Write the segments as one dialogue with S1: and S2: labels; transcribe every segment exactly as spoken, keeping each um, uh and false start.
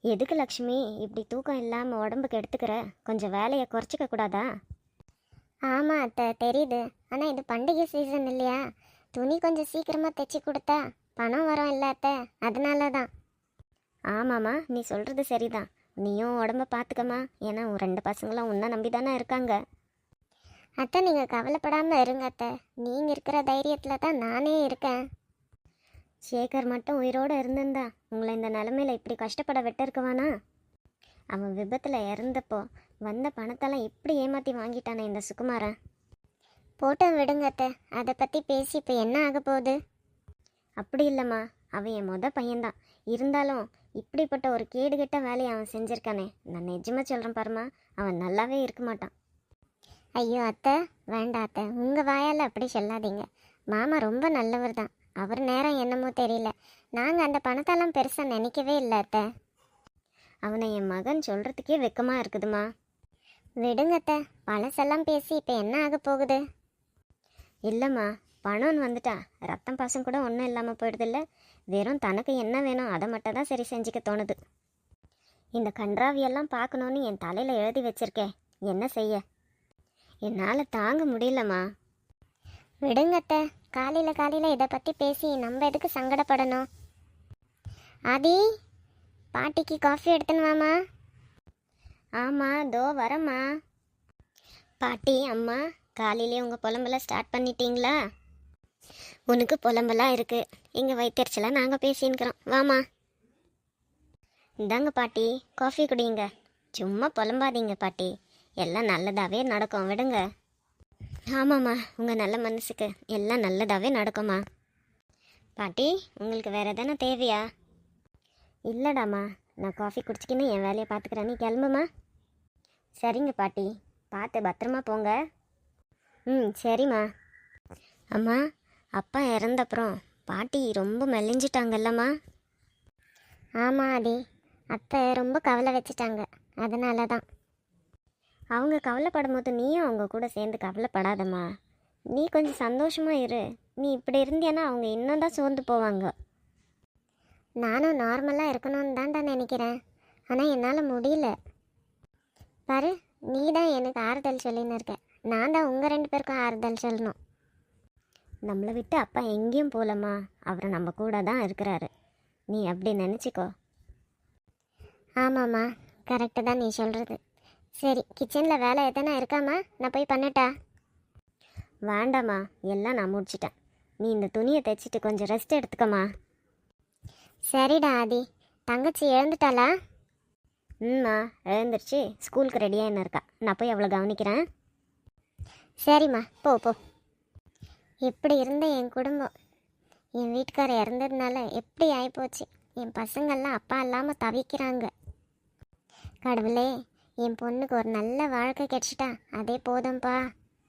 S1: எதுக்கு லக்ஷ்மி இப்படி தூக்கம் இல்லாமல் உடம்புக்கு எடுத்துக்கிற? கொஞ்சம் வேலையை குறைச்சிக்க கூடாதா?
S2: ஆமாம் அத்தை, தெரியுது. ஆனால் இது பண்டிகை சீசன் இல்லையா? துணி கொஞ்சம் சீக்கிரமாக தைச்சி கொடுத்தா பணம் வரும் இல்லை அத்தை, அதனால தான்.
S1: ஆமாம்மா, நீ சொல்கிறது சரிதான். நீயும் உடம்ப பார்த்துக்கம்மா. ஏன்னா உன் ரெண்டு பசங்களும் உன்னை நம்பி தானே இருக்காங்க.
S2: அத்தை, நீங்கள் கவலைப்படாமல் இருங்க அத்தை. நீங்கள் இருக்கிற தைரியத்தில் தான் நானே இருக்கேன்.
S1: சேகர் மட்டும் உயிரோடு இருந்திருந்தா உங்களை இந்த நிலமையில இப்படி கஷ்டப்பட விட்டுருக்குவானா? அவன் விபத்தில் இறந்தப்போ வந்த பணத்தெல்லாம் இப்படி ஏமாற்றி வாங்கிட்டானே இந்த சுகுமாரன்.
S2: போட்டோ விடுங்க அத்தை, அதை பற்றி பேசி இப்போ என்ன ஆக போகுது?
S1: அப்படி இல்லைம்மா, அவன் என் மொத பையன்தான். இருந்தாலும் இப்படிப்பட்ட ஒரு கேடுகெட்ட வேலையை அவன் செஞ்சுருக்கானே. நான் நிஜமாக சொல்கிறேன் பாருமா, அவன் நல்லாவே இருக்க மாட்டான்.
S2: ஐயோ அத்தை, வேண்டாம் அத்தை, உங்கள் வாயால் அப்படி சொல்லாதீங்க. மாமா ரொம்ப நல்லவர் தான். அவர் நேரம் என்னமோ தெரியல. நாங்கள் அந்த பணத்தெல்லாம் பெருசாக நினைக்கவே இல்லை அத்தை.
S1: அவனை என் மகன் சொல்கிறதுக்கே வெக்கமாக இருக்குதுமா.
S2: விடுங்க அத்தை, பழசெல்லாம் பேசி இப்போ என்ன ஆக போகுது?
S1: இல்லைம்மா, பணம்னு வந்துட்டா ரத்தம் பாசம் கூட ஒன்றும் இல்லாமல் போயிடுதில்ல. வெறும் தனக்கு என்ன வேணும் அதை மட்டும் தான் சரி செஞ்சுக்க தோணுது. இந்த கன்றாவியெல்லாம் பார்க்கணுன்னு என் தலையில் எழுதி வச்சிருக்கேன். என்ன செய்ய? என்னால் தாங்க முடியலம்மா.
S2: விடுங்க அத்தை, காலையில் காலையில் இதை பற்றி பேசி நம்ம எதுக்கு சங்கடப்படணும்? ஆதி, பாட்டிக்கு காஃபி எடுத்துன்னு வாமா.
S1: ஆமாம், தோ வரம்மா. பாட்டி, அம்மா, காலையிலே உங்கள் புலம்பெல்லாம் ஸ்டார்ட் பண்ணிட்டீங்களா? உனக்கு புலம்பெல்லாம் இருக்குது, எங்கள் வயிற்றுச்சலாம் நாங்கள் பேசின்னுக்கிறோம். வாமா, இந்தாங்க பாட்டி, காஃபி குடிங்க. சும்மா புலம்பாதீங்க பாட்டி, எல்லாம் நல்லதாகவே நடக்கும், விடுங்க. ஆமாம்மா, உங்கள் நல்ல மனசுக்கு எல்லாம் நல்லதாகவே நடக்கும்மா. பாட்டி, உங்களுக்கு வேறு எதனா தேவையா? இல்லைடாம்மா, நான் காஃபி குடிச்சிக்கின்னு என் வேலையை பார்த்துக்கிறேன். நீ கிளம்புமா. சரிங்க பாட்டி, பார்த்து பத்திரமா போங்க. ம், சரிம்மா. அம்மா, அப்பா இறந்தப்புறம் பாட்டி ரொம்ப மெலிஞ்சிட்டாங்கல்லம்மா?
S2: ஆமாம் ஆதி, அத்தை ரொம்ப கவலை வச்சுட்டாங்க, அதனால தான்.
S1: அவங்க கவலைப்படும் போது நீயும் அவங்க கூட சேர்ந்து கவலைப்படாதம்மா. நீ கொஞ்சம் சந்தோஷமாக இரு. நீ இப்படி இருந்தியானா அவங்க இன்னும் தான் சோர்ந்து போவாங்க.
S2: நானும் நார்மலாக இருக்கணும்னு தான்டா நினைக்கிறேன், ஆனால் என்னால் முடியல. பாரு, நீ தான் எனக்கு ஆறுதல் சொல்லின்னு இருக்க. நான் தான் உங்கள் ரெண்டு பேருக்கும் ஆறுதல் சொல்லணும்.
S1: நம்மளை விட்டு அப்பா எங்கேயும் போகலம்மா, அவர் நம்ம கூட தான் இருக்கிறாரு. நீ அப்படி நினச்சிக்கோ.
S2: ஆமாம்மா, கரெக்டு தான் நீ சொல்கிறது. சரி, கிச்சனில் வேலை எதனா இருக்காம்மா? நான் போய் பண்ணட்டா?
S1: வேண்டாம்மா, எல்லாம் நான் முடிச்சிட்டேன். நீ இந்த துணியை தைச்சிட்டு கொஞ்சம் ரெஸ்ட் எடுத்துக்கம்மா.
S2: சரிடா ஆதி. தங்கச்சி எழுந்துட்டாளா?
S1: ம்மா, எழுந்துருச்சு. ஸ்கூலுக்கு ரெடியாக என்ன இருக்கா. நான் போய் அவ்வளோ கவனிக்கிறேன்.
S2: சரிம்மா, போ போ. எப்படி இருந்த என் குடும்பம், என் வீட்டுக்காரர் இறந்ததுனால எப்படி ஆகிப்போச்சு. என் பசங்கள்லாம் அப்பா இல்லாமல் தவிக்கிறாங்க. கடவுளே, என் பொண்ணுக்கு ஒரு நல்ல வாழ்க்கை கிடைச்சிட்டா அதே போதும்பா.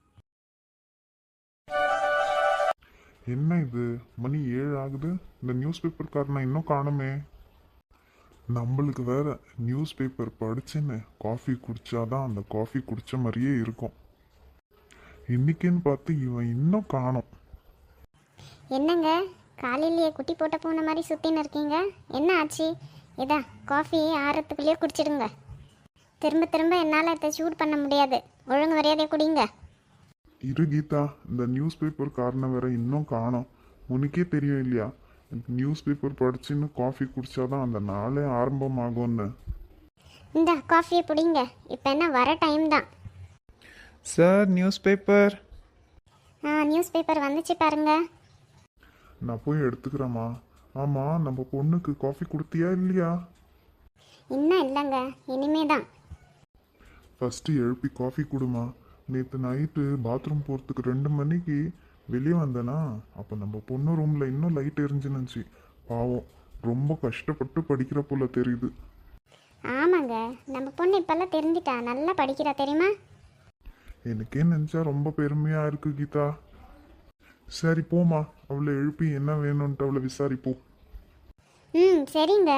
S3: என்ன இது, மணி ஏழு ஆகுது. இந்த நியூஸ் பேப்பர்காரனை இன்னும் காணுமே. நம்மளுக்கு வேற நியூஸ் பேப்பர் படிச்சுன்னு காஃபி குடிச்சாதான் அந்த காஃபி குடிச்ச மாதிரியே இருக்கும். இன்னைக்குன்னு பார்த்து இவன் இன்னும் காணோம்.
S2: என்னங்க, காலையிலேயே குட்டி போட்ட பூனை மாதிரி சுற்றின்னு இருக்கீங்க? என்ன ஆச்சு? இதா காஃபி ஆறத்துக்குள்ளேயே குடிச்சிடுங்க. திரும்ப திரும்ப என்னால் இதை சூட் பண்ண முடியாது. ஒழுங்கு மரியாதையை குடிங்க.
S3: இரு கீதா, இந்த நியூஸ் பேப்பர் காரணம் வேற இன்னும் காணோம். உனக்கே தெரியும் இல்லையா, நியூஸ் பேப்பர் படிச்சுன்னு காஃபி குடிச்சாதான் அந்த நாளே ஆரம்பமாகும்னு.
S2: இந்த காஃபியை பிடிங்க. இப்போ என்ன வர டைம் தான்.
S4: Sir, newspaper.
S2: ஆ, நியூஸ் பேப்பர் வந்துச்சு பாருங்க.
S3: நான் போய் எடுத்துக்கிறேம்மா. ஆமாம், நம்ம பொண்ணுக்கு காஃபி கொடுத்தியா இல்லையா?
S2: இன்னும் இல்லைங்க, இனிமே தான்.
S3: ஃபஸ்ட்டு எழுப்பி காஃபி கொடுமா. நேற்று நைட்டு பாத்ரூம் போகிறதுக்கு ரெண்டு மணிக்கு வெளியே வந்தேனா, அப்போ நம்ம பொண்ணு ரூமில் இன்னும் லைட் எரிஞ்சுனுச்சு. பாவம், ரொம்ப கஷ்டப்பட்டு படிக்கிற போல தெரியுது.
S2: ஆமாங்க, நம்ம பொண்ணு இப்போல்லாம் தெரிஞ்சிட்டா, நல்லா படிக்கிறா தெரியுமா?
S3: எனக்கே நினச்சா ரொம்ப பெருமையாக இருக்கு கீதா. சரி போமா, அவளை எழுப்பி என்ன வேணும்ன்ட்டு அவளை விசாரிப்போம்.
S2: ம், சரிங்க.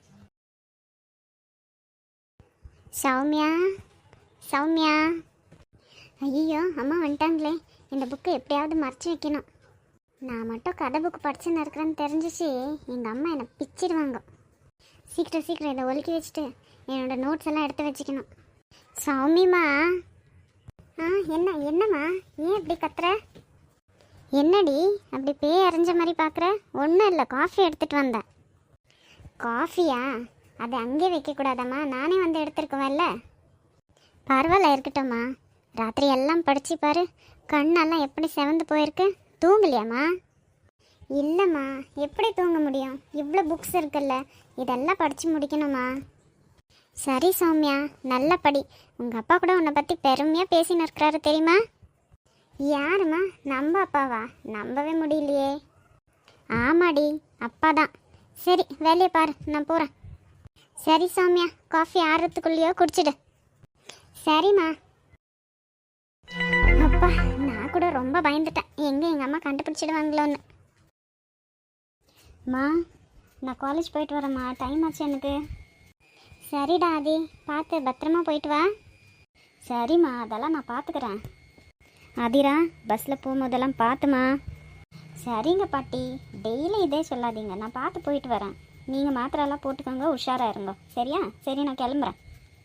S2: சௌமியா, சௌமியா. ஐயோ, அம்மா வந்துட்டாங்களே. இந்த புக்கை எப்படியாவது மறைச்சி வைக்கணும். நான் மட்டும் கதை புக்கு படிச்சுன்னு இருக்கிறேன்னு தெரிஞ்சிச்சு எங்கள் அம்மா என்னை பிச்சிடுவாங்க. சீக்கிரம் சீக்கிரம் இதை ஒலுக்கி வச்சுட்டு என்னோட நோட்ஸ் எல்லாம் எடுத்து வச்சுக்கணும். சௌமிமா. ஆ என்ன என்னம்மா, ஏன் இப்படி கத்துற? என்னடி அப்படி பேய் அரைஞ்ச மாதிரி பார்க்குற? ஒன்றும் இல்லை, காஃபி எடுத்துகிட்டு வந்தேன். காஃபியா? அதை அங்கே வைக்கக்கூடாதம்மா, நானே வந்து எடுத்துருக்குவேன்ல. பரவாயில்ல, இருக்கட்டும்மா. ராத்திரி எல்லாம் படிச்சு பாரு, கண்ணெல்லாம் எப்படி செவந்து போயிருக்கு. தூங்கலையாம்மா? இல்லைம்மா, எப்படி தூங்க முடியும்? இவ்வளோ புக்ஸ் இருக்குல்ல, இதெல்லாம் படித்து முடிக்கணுமா? சரி சௌமியா, நல்ல படி. உங்கள் அப்பா கூட உன்னை பற்றி பெருமையாக பேசின்னு இருக்கிறாரு தெரியுமா? யாரும்மா? நம்ம அப்பாவா? நம்பவே முடியலையே. ஆமாடி, அப்பா தான். சரி, வேலையை பாரு, நான் போகிறேன். சரி சௌமியா, காஃபி ஆறுறதுக்குள்ளேயோ குடிச்சிடு. சரிம்மா. அப்பா, நான் கூட ரொம்ப பயந்துட்டேன், எங்கே எங்கள் அம்மா கண்டுபிடிச்சிடுவாங்களோன்னு. மா, நான் காலேஜ் போயிட்டு வரேம்மா, டைம் ஆச்சு எனக்கு. சரிடா ஆதி, பார்த்து பத்திரமா போயிட்டு வா. சரிம்மா, அதெல்லாம் நான் பார்த்துக்கிறேன்.
S1: ஆதிரா, பஸ்ஸில் போகும்போதெல்லாம் பார்த்துமா.
S2: சரிங்க பாட்டி,
S1: டெய்லி இதே சொல்லாதீங்க, நான் பார்த்து போயிட்டு வரேன். நீங்கள் மாத்திரையெல்லாம் போட்டுக்கோங்க, உஷாராக இருங்க. சரியா? சரி, நான் கிளம்புறேன்.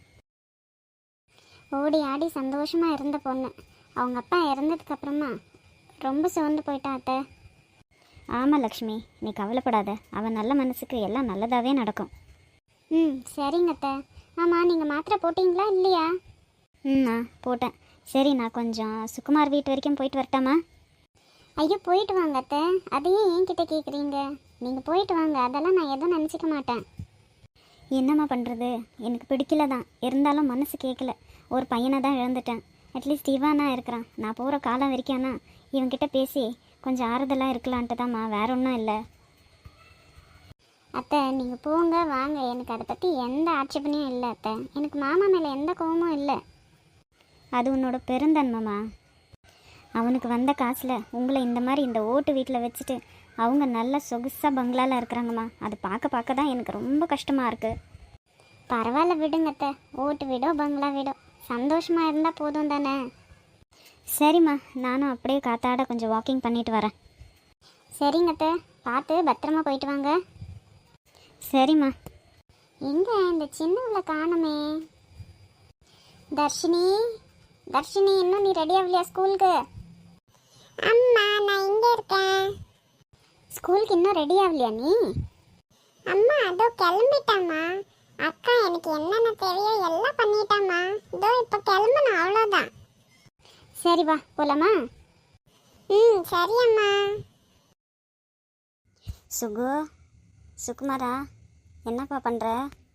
S2: ஓடி ஆடி சந்தோஷமாக இருந்த பொண்ணு அவங்க அப்பா இறந்ததுக்கப்புறமா ரொம்ப சோர்ந்து போயிட்டா அத்தை.
S1: ஆமாம் லக்ஷ்மி, நீ கவலைப்படாத. அவன் நல்ல மனசுக்கு எல்லாம் நல்லதாகவே நடக்கும்.
S2: ம் சரிங்க அத்தை. ஆமாம், நீங்கள் மாத்திரை போட்டிங்களா இல்லையா?
S1: ம் நான் போட்டேன். சரி, நான் கொஞ்சம் சுகுமார் வீட்டு வரைக்கும் போயிட்டு வரட்டாமா?
S2: ஐயோ, போயிட்டு வாங்க அத்தை. அதையும் என்கிட்ட கேட்குறீங்க? நீங்கள் போயிட்டு வாங்க, அதெல்லாம் நான் எதுவும் நினச்சிக்க மாட்டேன்.
S1: என்னம்மா பண்ணுறது, எனக்கு பிடிக்கல தான், இருந்தாலும் மனசு கேட்கல. ஒரு பையனை தான் இழந்துட்டேன். அட்லீஸ்ட் இவானா இருக்கிறான். நான் போகிற காலம் வரைக்கும்னா இவன்கிட்ட பேசி கொஞ்சம் ஆறுதலாக இருக்கலான்ட்டு தான்மா, வேற ஒன்றும் இல்லை.
S2: அத்தை, நீங்கள் போங்க வாங்க, எனக்கு அதை பற்றி எந்த ஆட்சேபனையும் இல்லை அத்தை. எனக்கு மாமா மேலே எந்த கோவமும் இல்லை.
S1: அது உன்னோட பெருந்தன்மைம்மா. அவனுக்கு வந்த காசில் உங்களை இந்த மாதிரி இந்த ஓட்டு வீட்டில் வச்சுட்டு அவங்க நல்ல சொகுசாக பங்களாவில் இருக்கிறாங்கம்மா. அது பார்க்க பார்க்க தான் எனக்கு ரொம்ப கஷ்டமாக இருக்குது.
S2: பரவாயில்ல விடுங்க அத்தை, ஓட்டு வீடோ பங்களா வீடோ சந்தோஷமாக இருந்தால் போதும் தானே.
S1: சரிம்மா, நானும் அப்படியே காத்தாட கொஞ்சம் வாக்கிங் பண்ணிட்டு வரேன்.
S2: சரிங்க அத்தை, பார்த்து பத்திரமா போயிட்டு வாங்க.
S1: சரிம்மா.
S2: எங்க இந்த சின்னவளை காணுமே? தர்ஷினி, தர்ஷினி, இன்னும் நீ ரெடி ஆகலையா ஸ்கூலுக்கு? அம்மா, நான் இங்கே இருக்கேன். ஸ்கூலுக்கு இன்னும் ரெடி ஆகலையா நீ? அம்மா, அதோ கிளம்பிட்டாம்மா. அக்கா எனக்கு என்னென்ன தேவையோ எல்லாம் பண்ணிட்டாம்மா. இதோ இப்போ கிளம்பணும், அவ்வளோதான். சரி வா, போலாமா? ம் சரி அம்மா.
S1: சுகு, சுகுமாரா, என்னப்பா பண்ணுற?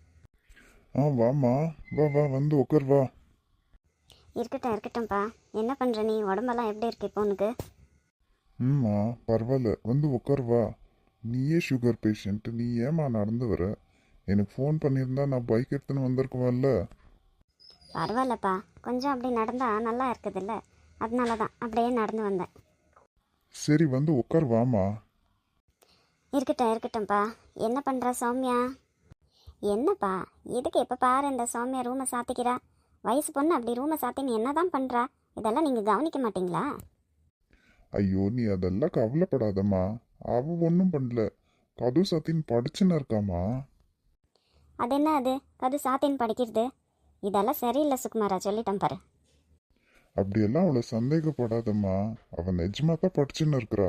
S3: ஆ வாம்மா, வா வா, வந்து உட்கார் வா.
S1: இருக்கட்டும் இருக்கட்டும்ப்பா. என்ன பண்ணுற நீ? உடம்பெல்லாம் எப்படி இருக்கு இப்போ உனக்கு?
S3: ம்மா பரவாயில்ல, வந்து உட்கார் வா. நீயே சுகர் பேஷண்ட், நீ ஏம்மா நடந்து வர? எனக்கு ஃபோன் பண்ணியிருந்தா நான் பைக் எடுத்துன்னு வந்திருக்குவேன்ல.
S1: பரவாயில்லப்பா, கொஞ்சம் அப்படி நடந்தால் நல்லா இருக்குதுல்ல, அதனால தான் அப்படியே நடந்து வந்தேன்.
S3: சரி, வந்து உட்கார் வாம்மா.
S1: இருக்கட்டும் இருக்கட்டும்ப்பா. என்ன பண்ணுற சௌமியா? என்னப்பா, எதுக்கு எப்போ பாரு இந்த சௌமியா ரூமை சாத்திக்கிறா? வயசு பொண்ணு அப்படி ரூமை சாத்தின்னு என்ன தான் பண்ணுறா? இதெல்லாம் நீங்கள் கவனிக்க மாட்டிங்களா?
S3: ஐயோ, நீ அதெல்லாம் கவலைப்படாதம்மா. அவ ஒன்றும் பண்ணல, கது சாத்தின்னு படிச்சுன்னு இருக்காம்மா.
S1: அது என்ன அது கது சாத்தின்னு படிக்கிறது? இதெல்லாம் சரியில்லை சுகுமாரா, சொல்லிட்டேன் பாரு.
S3: அப்படியெல்லாம் அவளை சந்தேகப்படாதம்மா, அவன் நிஜமா தான் படிச்சுன்னு இருக்கிறா.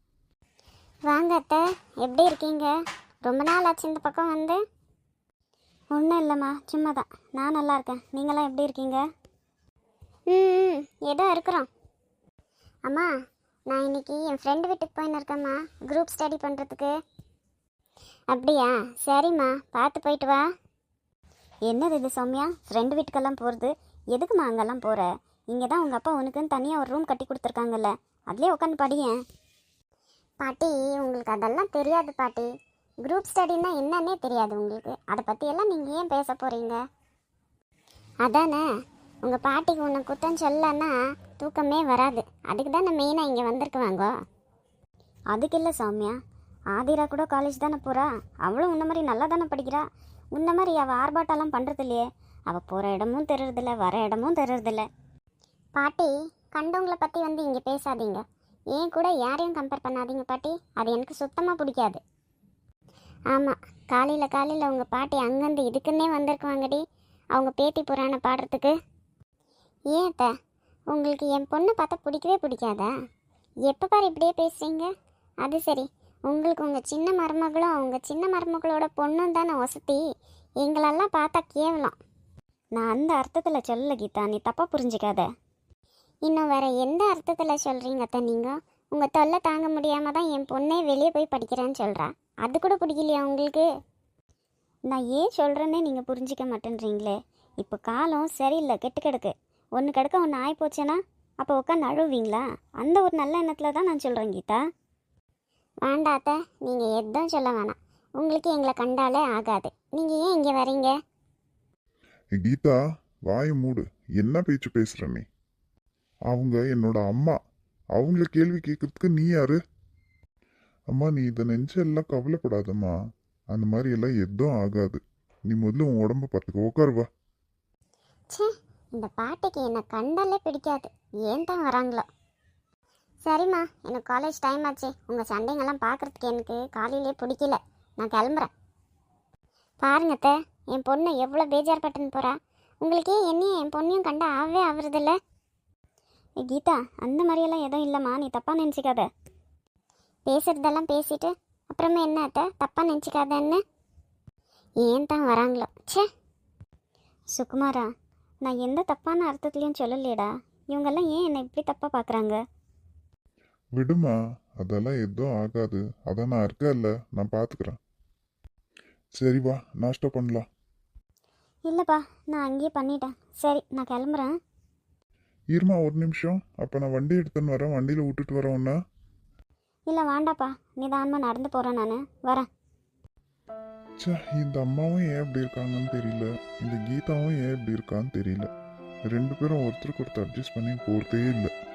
S2: வாங்க அத்தை, எப்படி இருக்கீங்க? ரொம்ப நாள் ஆச்சு இந்த பக்கம் வந்து.
S1: ஒன்றும் இல்லைம்மா, சும்மா தான். நான் நல்லா இருக்கேன். நீங்களாம் எப்படி இருக்கீங்க?
S2: ம் ஏதோ இருக்கிறோம். அம்மா, நான் இன்னைக்கு என் ஃப்ரெண்டு வீட்டுக்கு போயின்னு இருக்கேம்மா, குரூப் ஸ்டடி பண்ணுறதுக்கு. அப்படியா? சரிம்மா, பார்த்து போயிட்டு வா.
S1: என்னது இது சௌமியா, ஃப்ரெண்டு வீட்டுக்கெல்லாம் போகிறது? எதுக்குமா அங்கெல்லாம் போகிற? இங்கே தான் உங்கள் அப்பா உனக்குன்னு தனியாக ஒரு ரூம் கட்டி கொடுத்துருக்காங்கல்ல, அதுலேயே உட்காந்து படியேன்.
S2: பாட்டி, உங்களுக்கு அதெல்லாம் தெரியாது பாட்டி. குரூப் ஸ்டடின்னா என்னன்னே தெரியாது உங்களுக்கு. அதை பற்றியெல்லாம் நீங்கள் ஏன் பேச போகிறீங்க? அதானே, உங்கள் பாட்டிக்கு உன்னை குத்தம் சொல்லன்னா தூக்கமே வராது. அதுக்கு தானே மெயினாக இங்கே வந்திருக்குவாங்க.
S1: அதுக்கு இல்லை சௌமியா, ஆதிரா கூட காலேஜ் தானே போகிறா. அவளும் உன்ன மாதிரி நல்லா தானே படிக்கிறா. உன்ன மாதிரி அவள் ஆர்ப்பாட்டெல்லாம் பண்ணுறது இல்லையே. அவள் போகிற இடமும் தெரியறதில்ல, வர இடமும் தெரியறதில்ல.
S2: பாட்டி, கண்டவங்களை பற்றி வந்து இங்கே பேசாதீங்க. ஏன் கூட யாரையும் கம்பேர் பண்ணாதீங்க பாட்டி. அது எனக்கு சுத்தமாக பிடிக்காது. ஆமாம், காலையில் காலையில் உங்கள் பாட்டி அங்கேருந்து இதுக்குன்னே வந்திருக்குவாங்கடி, அவங்க பேத்தி புராணம் பாடுறதுக்கு. ஏன் அத்தை, உங்களுக்கு என் பொண்ணை பார்த்தா பிடிக்கவே பிடிக்காதா? எப்போ பாரு இப்படியே பேசுகிறீங்க? அது சரி, உங்களுக்கு உங்கள் சின்ன மருமகளும் அவங்க சின்ன மருமகளோட பொண்ணும் தானே வசதி, எங்களெல்லாம் பார்த்தா கேவலம்.
S1: நான் அந்த அர்த்தத்தில் சொல்லல கீதா, நீ தப்பாக புரிஞ்சுக்காத.
S2: இன்னும் வேற எந்த அர்த்தத்தில் சொல்கிறீங்க அத்தை நீங்கள்? உங்கள் தொல்லை தாங்க முடியாமல் தான் என் பொண்ணே வெளியே போய் படிக்கிறேன்னு சொல்கிறா. அது கூட பிடிக்கலையா உங்களுக்கு?
S1: நான் ஏன் சொல்கிறேன்னே நீங்கள் புரிஞ்சிக்க மாட்டேன்றீங்களே. இப்போ காலம் சரியில்லை, கெட்டு கிடக்கு. ஒன்று கிடக்க ஒன்று ஆகி போச்சேன்னா அப்போ உட்காந்து அழுவீங்களா? அந்த ஒரு நல்ல எண்ணத்தில் தான் நான் சொல்கிறேன் கீதா.
S2: வேண்டாத்த, நீங்கள் எதுவும் சொல்ல வேணாம். உங்களுக்கு எங்களை கண்டாலே ஆகாது. நீங்கள் ஏன் இங்கே வரீங்க?
S3: ஏய் கீதா, வாயை மூடு. என்ன பேச்சு பேசுற நீ? அவங்க என்னோட அம்மா. அவங்கள கேள்வி கேட்கறதுக்கு நீ யாரு? அம்மா, நீ இதை நினைச்சு எல்லாம் கவலைப்படாதம்மா. அந்த மாதிரி எல்லாம் எதுவும் ஆகாது. நீ முதல்ல உன் உடம்ப பார்த்துக்க. உட்காருவா.
S2: ச்சே, இந்த பாட்டிக்கு என்னை கண்டாலே பிடிக்காது. ஏன் தான் வராங்களோ. சரிம்மா, எனக்கு காலேஜ் டைம் ஆச்சு. உங்கள் சண்டைங்கெல்லாம் பார்க்குறதுக்கு எனக்கு காலையிலே பிடிக்கல. நான் கிளம்புறேன். பாருங்க அத்தை, என் பொண்ணு எவ்வளோ பேஜார்பட்டுன்னு போகிறா. உங்களுக்கே என்னையும் என் பொண்ணையும் கண்டா ஆவே ஆகுறதில்ல.
S1: ஏ கீதா, அந்த மாதிரியெல்லாம் எதுவும் இல்லைம்மா, நீ தப்பாக நினச்சிக்காத.
S2: பேசுகிறதெல்லாம் பேசிட்டு அப்புறமா என்ன அத்தை, தப்பாக நினச்சிக்காதன்னு? ஏன் தான் வராங்களோ. ச்சே.
S1: சுகுமாரா, நான் எந்த தப்பான அர்த்தத்துலையும் சொல்லலையேடா. இவங்கெல்லாம் ஏன் என்னை இப்படி தப்பாக பார்க்குறாங்க?
S3: விடுமா, அதெல்லாம் எதுவும் ஆகாது. அதான் நான் இருக்கேன்ல, நான் பார்த்துக்கிறேன். சரி வா, நாஷ்டா பண்ணலாம்.
S1: இல்லைப்பா, நான் அங்கேயே பண்ணிட்டேன். சரி, நான் கிளம்புறேன்.
S3: இருமா ஒரு நிமிஷம். அப்போ நான் வண்டி எடுத்துன்னு வரேன். வண்டியில் விட்டுட்டு வரேன் உன்ன.
S1: இல்லை வேண்டாப்பா, நிதானமாக நடந்து போகிறேன், நான் வரேன்.
S3: ச்சே, இந்த அம்மாவும் ஏன் இப்படி இருக்காங்கன்னு தெரியல. இந்த கீதாவும் ஏன் இப்படி இருக்கான்னு தெரியல. ரெண்டு பேரும் ஒருத்தருக்கு ஒருத்தர் அட்ஜஸ்ட் பண்ணி போகிறதே இல்லை.